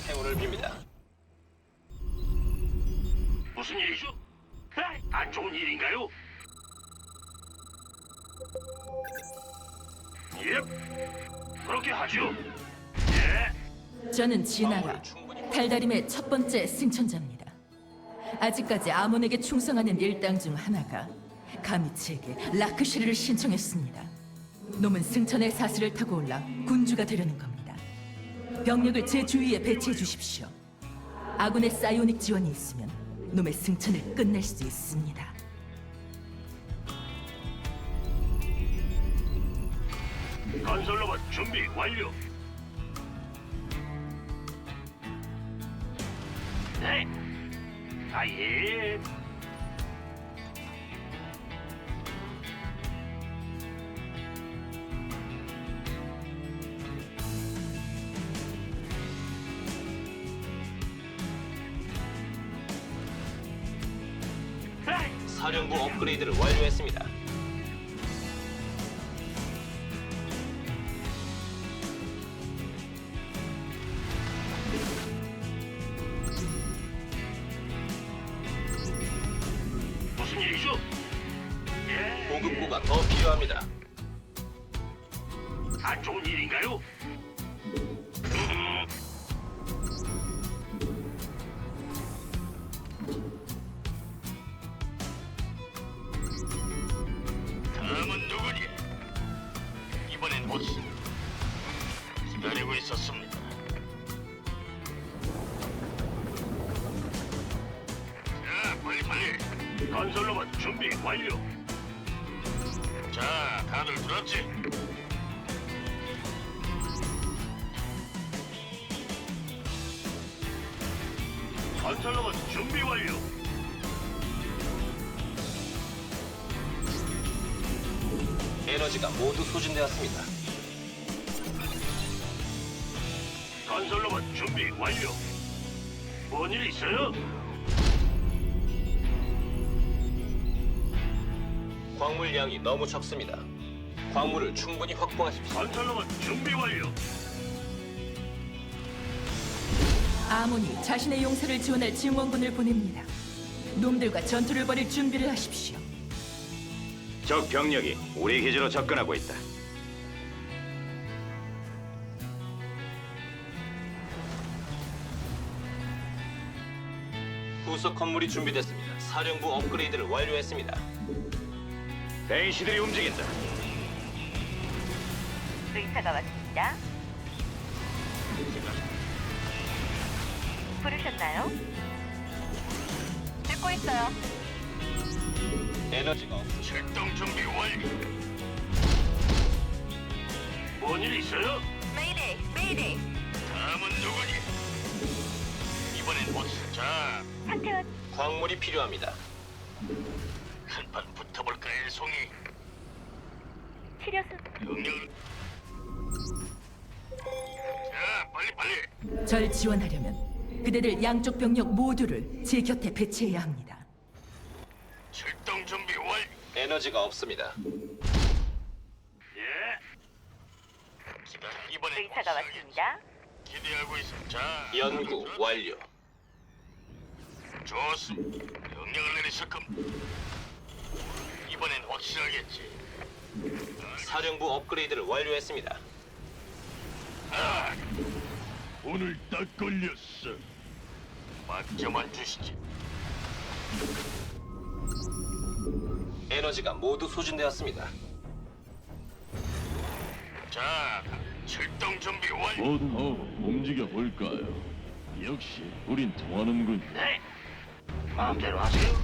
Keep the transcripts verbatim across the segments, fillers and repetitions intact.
행운을 빕니다. 무슨 일이죠? 에이, 안 좋은 일인가요? 예, 그렇게 하죠. 예, 저는 진아라, 달다림의 첫 번째 승천자입니다. 아직까지 아몬에게 충성하는 일당 중 하나가 가미치에게 라크시르를 신청했습니다. 놈은 승천의 사슬을 타고 올라 군주가 되려는 겁니다. 병력을 제 주위에 배치해 주십시오. 아군의 사이오닉 지원이 있으면 놈의 승천을 끝낼 수 있습니다. 건설로봇 준비 완료. 네, 아예. 에이, 사령부 업그레이드를 완료했습니다. 무슨 일이죠? 예, 보급고가 더 필요합니다. 안 좋은 일인가요? 음, 다음은 누구니? 이번엔 보스. 기다리고 있었습니다. 자, 빨리 빨리. 건설로봇 준비 완료. 자, 다들 들었지? 건설로봇 준비 완료. 에너지가 모두 소진되었습니다. 건설로봇 준비 완료. 뭔 일 있어요? 광물량이 너무 적습니다. 광물을 충분히 확보하십시오. 건설로봇 준비 완료. 아몬이 자신의 용사를 지원할 증원군을 보냅니다. 놈들과 전투를 벌일 준비를 하십시오. 적 병력이 우리 기지로 접근하고 있다. 후속 건물이 준비됐습니다. 사령부 업그레이드를 완료했습니다. 베이시들이 움직인다. 의사가 왔습니다. 부르셨나요? 듣고 있어요. 에너지가 없... 출동 준비 완료. 뭔 일 있어요? 메이데이, 메이데이. 다음은 누구니? 이번엔 보스. 자, 상태와 광물이 필요합니다. 한판 붙어볼까요, 송이? 치료수 명령을. 자, 빨리 빨리. 절 지원하려면 그대들 양쪽 병력 모두를 제 곁에 배치해야 합니다. 출동 준비 완료. 에너지가 없습니다. 예. 기다려. 이번엔 의사가 보스. 왔습니다. 기대하고 있어. 자, 연구 완료. 좋습니다. 명령을 내리실 겁니다. 이번엔 확실하겠지. 사령부 업그레이드를 완료했습니다. 아, 오늘 딱 걸렸어. 맞점만 주시지. 에너지가 모두 소진되었습니다. 자, 출동 준비 완료. 모두 더 움직여 볼까요? 역시 우린 통하는군. 네. 마음대로 하세요.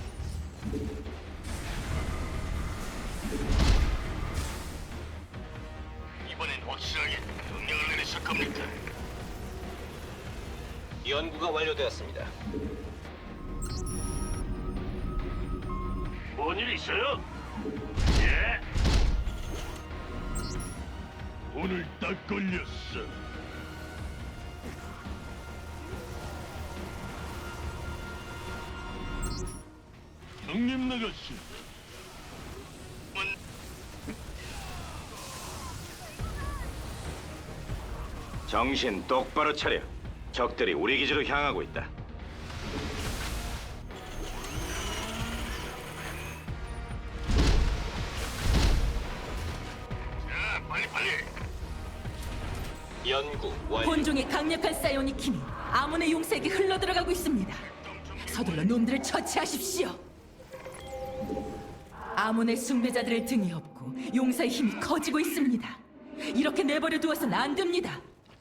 이번엔 확실하게 명령을 내리실 겁니까? 연구가 완료되었습니다. 뭔 일 있어요? 예. 오늘 딱 걸렸어. 형님 나가시. 정신 똑바로 차려. 적들이 우리 기지로 향하고 있다. 자, 빨리 빨리. 연구 완료. 본종의 강력한 사이오닉 힘이 아몬의 용사에게 흘러들어가고 있습니다. 서둘러 놈들을 처치하십시오. 아몬의 숭배자들을 등에 업고 용사의 힘이 커지고 있습니다. 이렇게 내버려 두어서는 안 됩니다.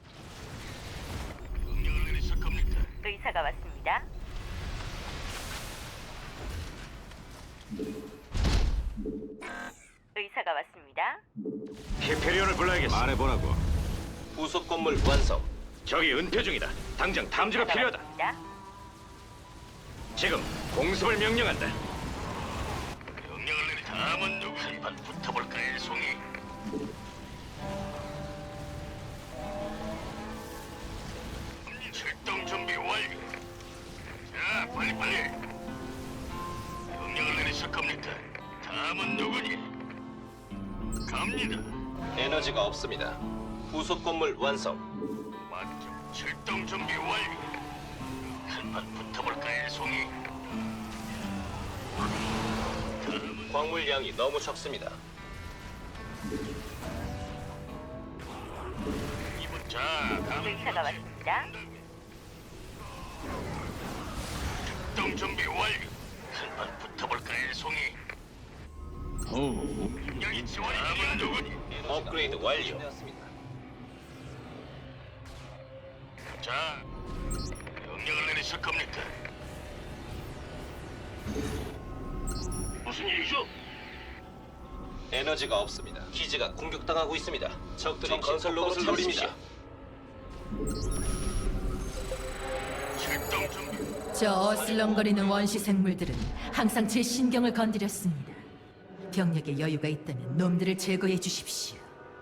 명령을 내리실 겁니까? 의사가 왔습니다. 의사가 왔습니다. 히페리온을 불러야겠어. 말해보라고. 부속 건물 완성. 적이 은폐 중이다. 당장 탐지가 의사가 필요하다. 왔습니다. 지금 공습을 명령한다. 명령을 내리. 다음은 누구? 한판 붙어볼까요, 송이? 출동 준비 완료. 자, 빨리 빨리. 명령을 내리실 겁니까? 다음은 누구니? 갑니다. 에너지가 없습니다. 부속 건물 완성. 맞죠. 출동 준비 완료. 한판 붙어볼까요, 송이? 광물량이 너무 적습니다. 이번 자, 가면 의사가 왔습니다. 출동 준비 완료. 한판 붙어볼까요, 송이? 어, 여기 지원이 다음은 누구니? 업그레이드 완료. 자, 명령을 내리실 겁니까? 무슨 일이죠? 에너지가 없습니다. 기지가 공격당하고 있습니다. 적들이 건설 로봇을 노립니다. 출동 준비. 저 어슬렁거리는 원시 생물들은 항상 제 신경을 건드렸습니다. 병력에 여유가 있다면 놈들을 제거해 주십시오.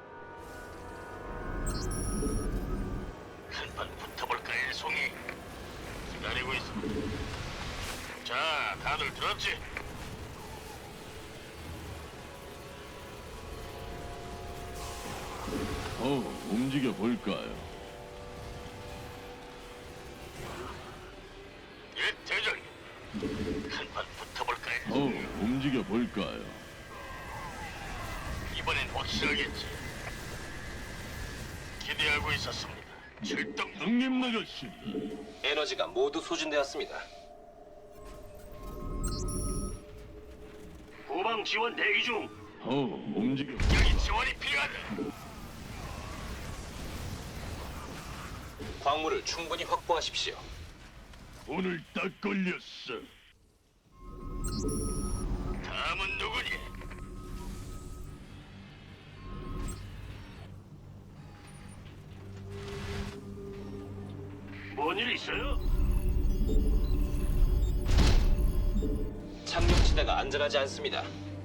한판 붙어볼까요, 송이? 기다리고 있어. 자, 다들 들었지? 어, 움직여 볼까요? 예, 대장님. 한판 붙어볼까요? 어, 움직여 볼까요? 이번엔 확실하겠지. 기대하고 있었습니다. 출동. 형님 나가신다. 에너지가 모두 소진되었습니다. 후방 지원 대기 중. 어, 움직여. 여기 지원이 필요하다. 광물을 충분히 확보하십시오. 오늘 딱 걸렸어. 다음은 누구니? 뭔 일 있어요? 착륙지대가 안전하지 않습니다.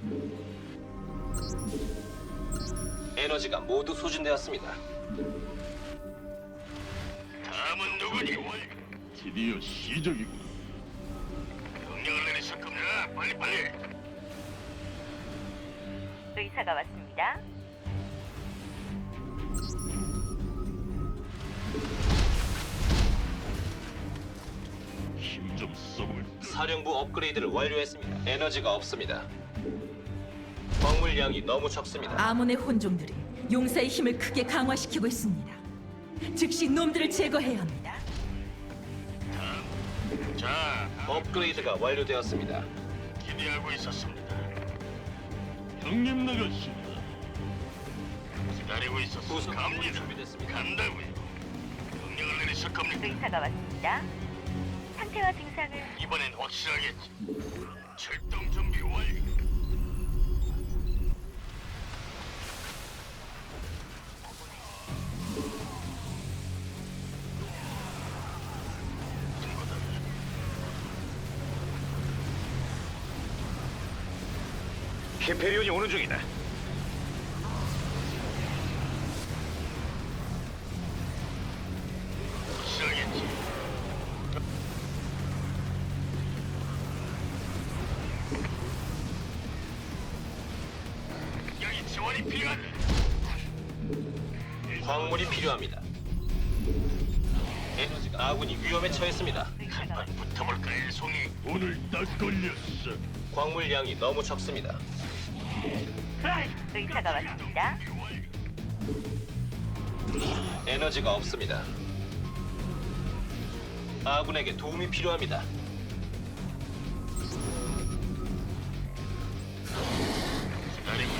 에너지가 모두 소진되었습니다. 다음은 누구니? 월 드디어 시작이군. 명령을 내리실 겁니다. 빨리 빨리. 의사가 왔습니다. 힘 좀 써볼까? 사령부 업그레이드를 완료했습니다. 에너지가 없습니다. 광물량이 너무 적습니다. 아몬의 혼종들이 용사의 힘을 크게 강화시키고 있습니다. 즉시 놈들을 제거해야 합니다. 자, 업그레이드가 완료되었습니다. 기대하고 있었습니다. 형님 나가신다. 기다리고 있었어. 부속 건물이 갑니다. 준비됐습니다. 간다고요. 명령을 내리실 겁니까? 의사가 왔습니다. 상태와 증상을 이번엔 확실하겠지. 출동 준비 완료. 히페리온이 오는 중이다. 확실하겠지. 여기 지원이 필요하다. 광물이 필요합니다. 에너지가 아군이 위험에 처했습니다. 의사가 한판 왔습니다. 붙어볼까요, 송이? 오늘 딱 걸렸어. 광물량이 너무 적습니다. 의사가 왔습니다. 에너지가 없습니다. 아군에게 도움이 필요합니다. 기다리고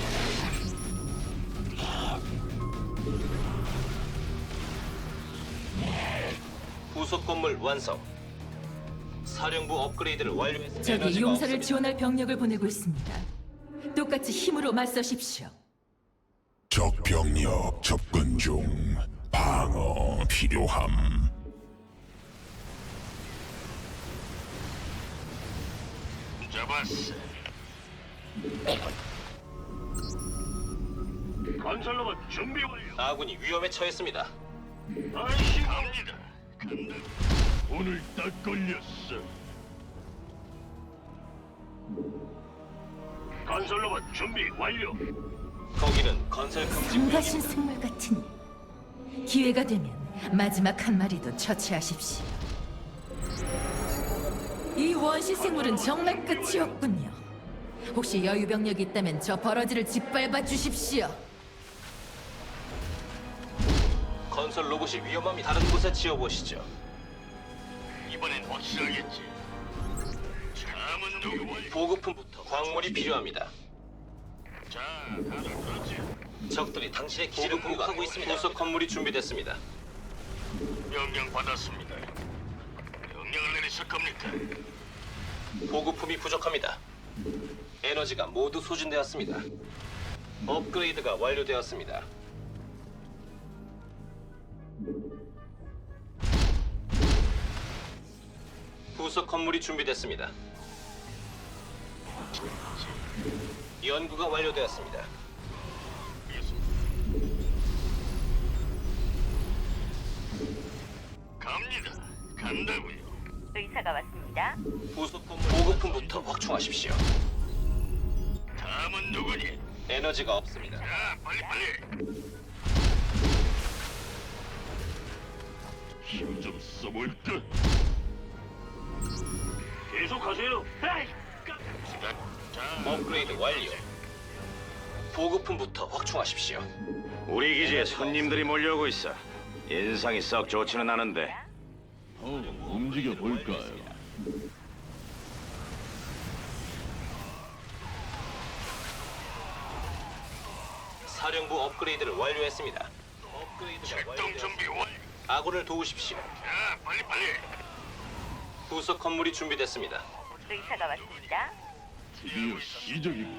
부속 건물 완성. 사령부 업그레이드를 완료했습니다. 적이 에너지가 용사를 없습니다. 지원할 병력을 보내고 있습니다. 똑같이 힘으로 맞서십시오. 적 병력 접근 중. 방어 필요함. 잡았어. 건설로봇 준비 완료. 아군이 위험에 처했습니다. 아이씨, 갑니다. 간다. 오늘 딱 걸렸어. 건설로봇 준비 완료. 거기는 건설 금지 성가신 생물 같으니 기회가 되면 마지막 한 마리도 처치하십시오. 이 원시 생물은 정말 끝이 없군요. 혹시 여유 병력이 있다면 저 버러지를 짓밟아 주십시오. 건설 로봇이 위험합니다. 다른 곳에 지어보시죠. 이번엔 확실하겠지. 다음은 누구? 보급품부터 광물이 필요합니다. 자, 다들 그렇지. 적들이 당신의 기지를 공격하고 있습니다. 부속 건물이 준비됐습니다. 명령 받았습니다. 명령을 내리실 겁니까? 보급품이 부족합니다. 에너지가 모두 소진되었습니다. 업그레이드가 완료되었습니다. 부속 건물이 준비됐습니다. 연구가 완료되었습니다. 갑니다. 간다고요. 의사가 왔습니다. 부속 건물 보급품부터 확충하십시오. 다음은 누구니? 에너지가 없습니다. 자, 빨리 빨리. 힘 좀 써볼까? 계속하세요. 에이, 깜- 시간. 자, 업그레이드 완료. 보급품부터 확충하십시오. 우리 기지에 손님들이 몰려오고 있어. 인상이 썩 좋지는 않은데. 어, 움직여 볼까요? 사령부 업그레이드를 완료했습니다. 업그레이드가 출동 완료되었습니다. 준비 완료. 아군을 도우십시오. 자, 빨리 빨리. 부속 건물이 준비됐습니다. 의사가 왔습니다. 드디어 시작이고.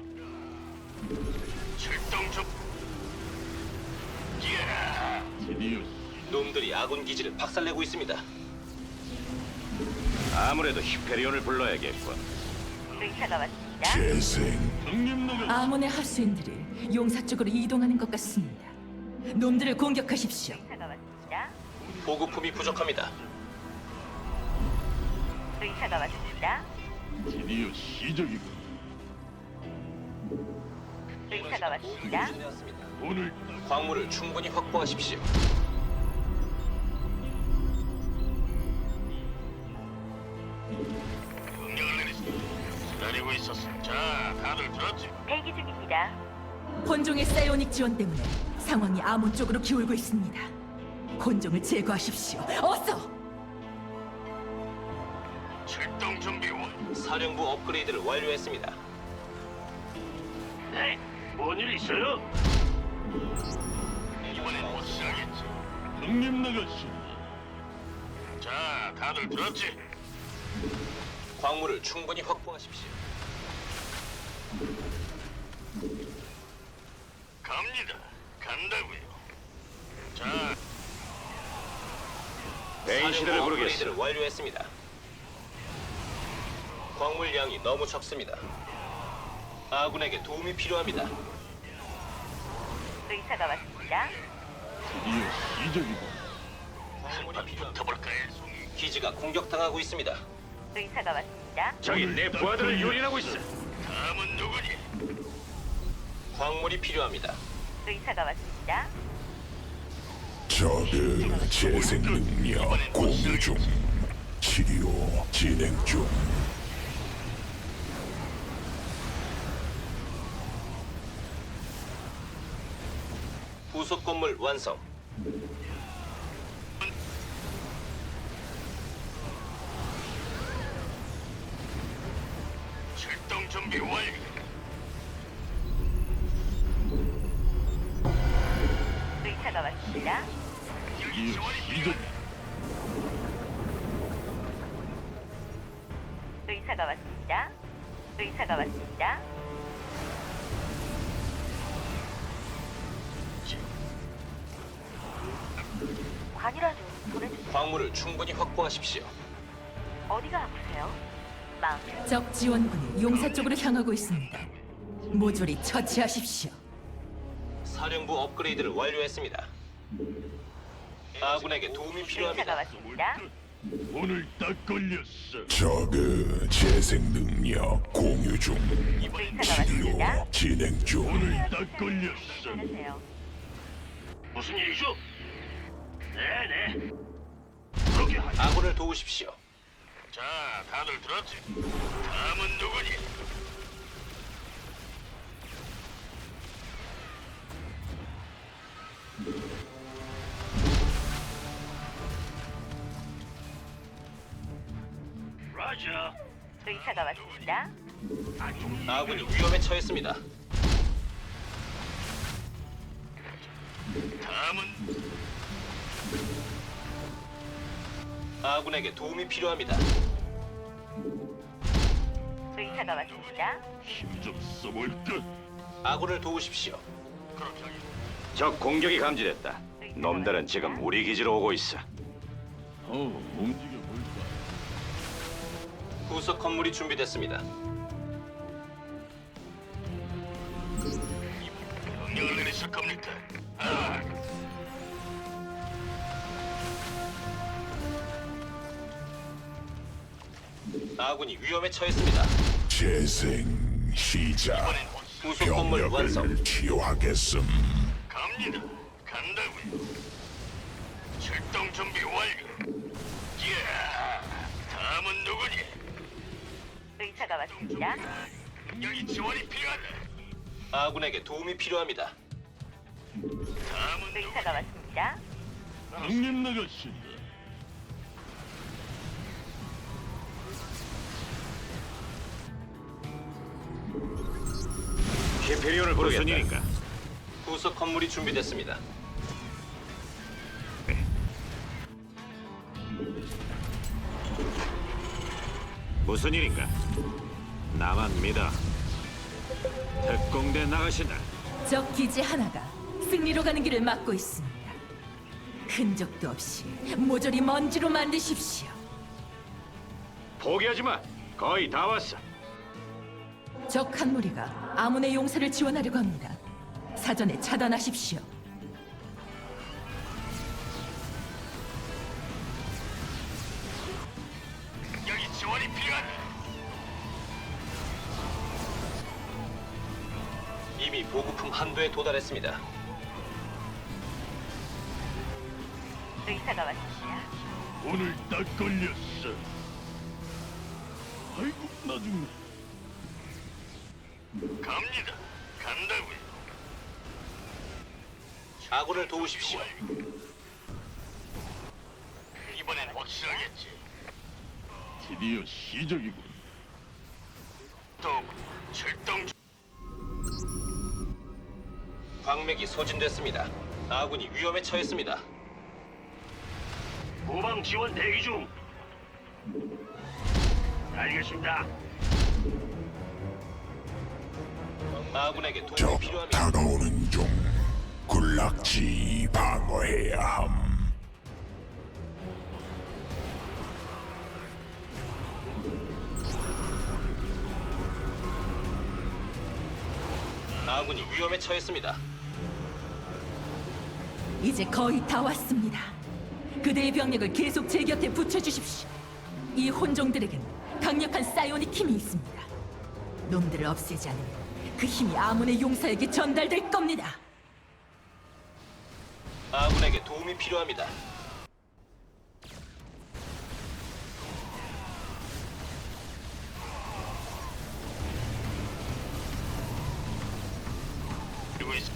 출동 중. 예. 드디어 놈들이 아군 기지를 박살내고 있습니다. 아무래도 히페리온을 불러야겠군. 의사가 왔습니다. 재생. 형님 나가. 아몬의 하수인들이 용사 쪽으로 이동하는 것 같습니다. 놈들을 공격하십시오. 의사가 왔습니다. 보급품이 부족합니다. 의사가 왔습니다. 드디어 시작이고. 의사가 왔습니다. 소진되었습니다. 오늘 광물을 충분히 확보하십시오. 명령을 내리시. 기다리고 있었어. 자, 다들 들었지? 대기 중입니다. 혼종의 사이오닉 지원 때문에 상황이 아몬 쪽으로 기울고 있습니다. 혼종을 제거하십시오. 어서! 출동 준비 완료. 사령부 업그레이드를 완료했습니다. 네, 뭔일 있어요? 이번엔 확실하겠지. 형님 나가시. 자, 다들 들었지? 광물을 충분히 확보하십시오. 갑니다. 간다고요. 자, 베인 시대를 사령부 부르겠어. 업그레이드를 완료했습니다. 광물량이 너무 적습니다. 아군에게 도움이 필요합니다. 의사가 왔습니다. 드디어 시작이고. 광물이 한판 필요합니다. 붙어볼까요, 송이? 기지가 공격당하고 있습니다. 의사가 왔습니다. 저기 내 부하들을 유린하고 있어. 다음은 누구니? 광물이 필요합니다. 의사가 왔습니다. 저그 재생 능력 공유 중. 치료 진행 중. 부속 건물 완성. 출동 준비 완료. 의사가 왔습니다. 드디어 시작. 의사가 왔습니다. 의사가 왔습니다. 관이라도 보내주세요. 광물을 충분히 확보하십시오. 어디가 아프세요? 마음 적 지원군이 용사 쪽으로 향하고 있습니다. 모조리 처치하십시오. 사령부 업그레이드를 완료했습니다. 아군에게 도움이 의사가 필요합니다. 왔습니다. 오늘 딱 걸렸어. 저그 재생 능력 공유 중. 의사가 왔습니다. 치료 진행 중. 오늘 딱 걸렸어. 보내세요. 무슨 일이죠? 네네. 그렇게 하죠. 아군을 도우십시오. 자, 다들 들었지? 다음은 누구니? 라자. 의사가 왔습니다. 아군이 위험에 처했습니다. 다음은 아군에게 도움이 필요합니다. 의사가 왔습니다. 힘 좀 써볼까? 아군을 도우십시오. 그렇게 하겠. 적 공격이 감지됐다. 놈들은 지금 우리 기지로 오고 있어. 어, 움직여 볼까? 부속 건물이 준비됐습니다. 명령을 내리실 겁니까? 아, 아군이 위험에 처했습니다. 재생 시작. 이번엔 확 부속 건물 완성. 병력을 치유하겠음. 갑니다. 간다고요. 출동 준비 완료. 예. 다음은 누구니? 의사가 왔습니다. 여기 지원이 필요하다. 아군에게 도움이 필요합니다. 다음은 누구? 의사가 왔습니다. 형님 나가신다. 히페리온을 부르겠다. 무슨 일인가? 부속 건물이 준비됐습니다. 무슨 일인가? 나만 믿어. 특공대 나가신다. 적 기지 하나가 승리로 가는 길을 막고 있습니다. 흔적도 없이 모조리 먼지로 만드십시오. 포기하지 마. 거의 다 왔어. 적 한 무리가 아몬의 용사를 지원하려고 합니다. 사전에 차단하십시오. 여기 지원이 필요하다. 이미 보급품 한도에 도달했습니다. 의사가 왔습니다. 오늘 딱 걸렸어. 아이고 나중에. 갑니다. 간다고요. 아군을 도우십시오. 이번엔 확실하겠지. 드디어 시작이군. 또 출동 중. 광맥이 소진됐습니다. 아군이 위험에 처했습니다. 후방 지원 대기 중. 알겠습니다. 아군에게 도움이 적 필요합니다. 다가오는 중. 군락지 방어해야 함. 아군이 위험에 처했습니다. 이제 거의 다 왔습니다. 그대의 병력을 계속 제 곁에 붙여주십시오. 이 혼종들에겐 강력한 사이오닉 힘이 있습니다. 놈들을 없애지 않으면 그 힘이 아몬의 용사에게 전달될 겁니다. 아군에게 도움이 필요합니다. 그리고 있어.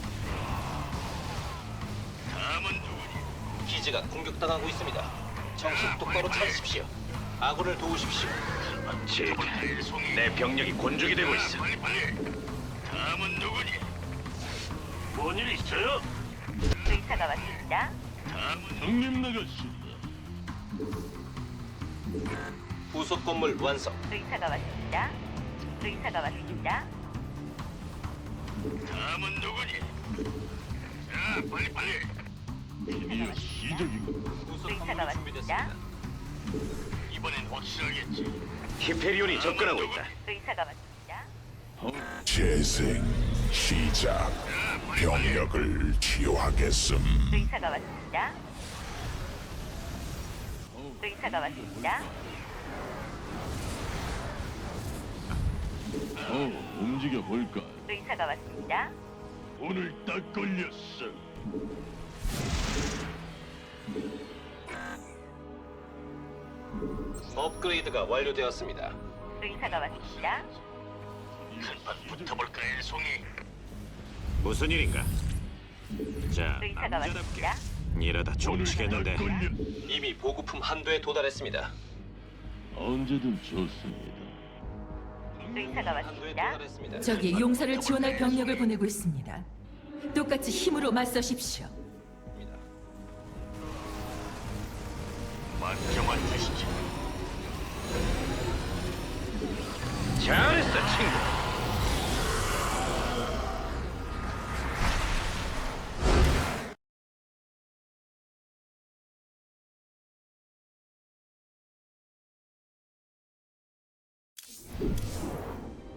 다음은 누구니? 기지가 공격당하고 있습니다. 정신 똑바로 차리십시오. 아군을 도우십시오. 제, 붙어볼까요, 송이? 내 병력이 곤죽이 되고 있어. 빨리 빨리. 다음은 누구니? 뭔 일 있어요? 의사가 왔습니다. 다음은 형님 나가신다. 부속 건물 완성. 의사가 왔습니다. 의사가 왔습니다. 다음은 누구니? 자, 빨리 빨리. 드디어 시작이군. 부속 의사가 건물 왔습니다. 준비됐습니다. 이번엔 확실하겠지. 히페리온이 접근하고 있다. 의사가 왔습니다. 어, 재생 시작. 병력을 치유하겠음. 의사가 왔습니다. 의사가 왔습니다. 어, 움직여 볼까? 의사가 왔습니다. 오늘 딱 걸렸어. 업그레이드가 완료되었습니다. 의사가 왔습니다. 한판 붙어볼까요, 송이? 무슨 일인가? 자, 의사가 남자답게 왔습니다. 이러다 오늘 딱 종치겠는데. 걸렸어. 이미 보급품 한도에 도달했습니다. 언제든 좋습니다. 의사가 한도에 왔습니다. 도달했습니다. 적이 용사를 지원할 병력을 보내고 있습니다. 똑같이 힘으로 맞서십시오. 맡겨만 주시지. 잘했어.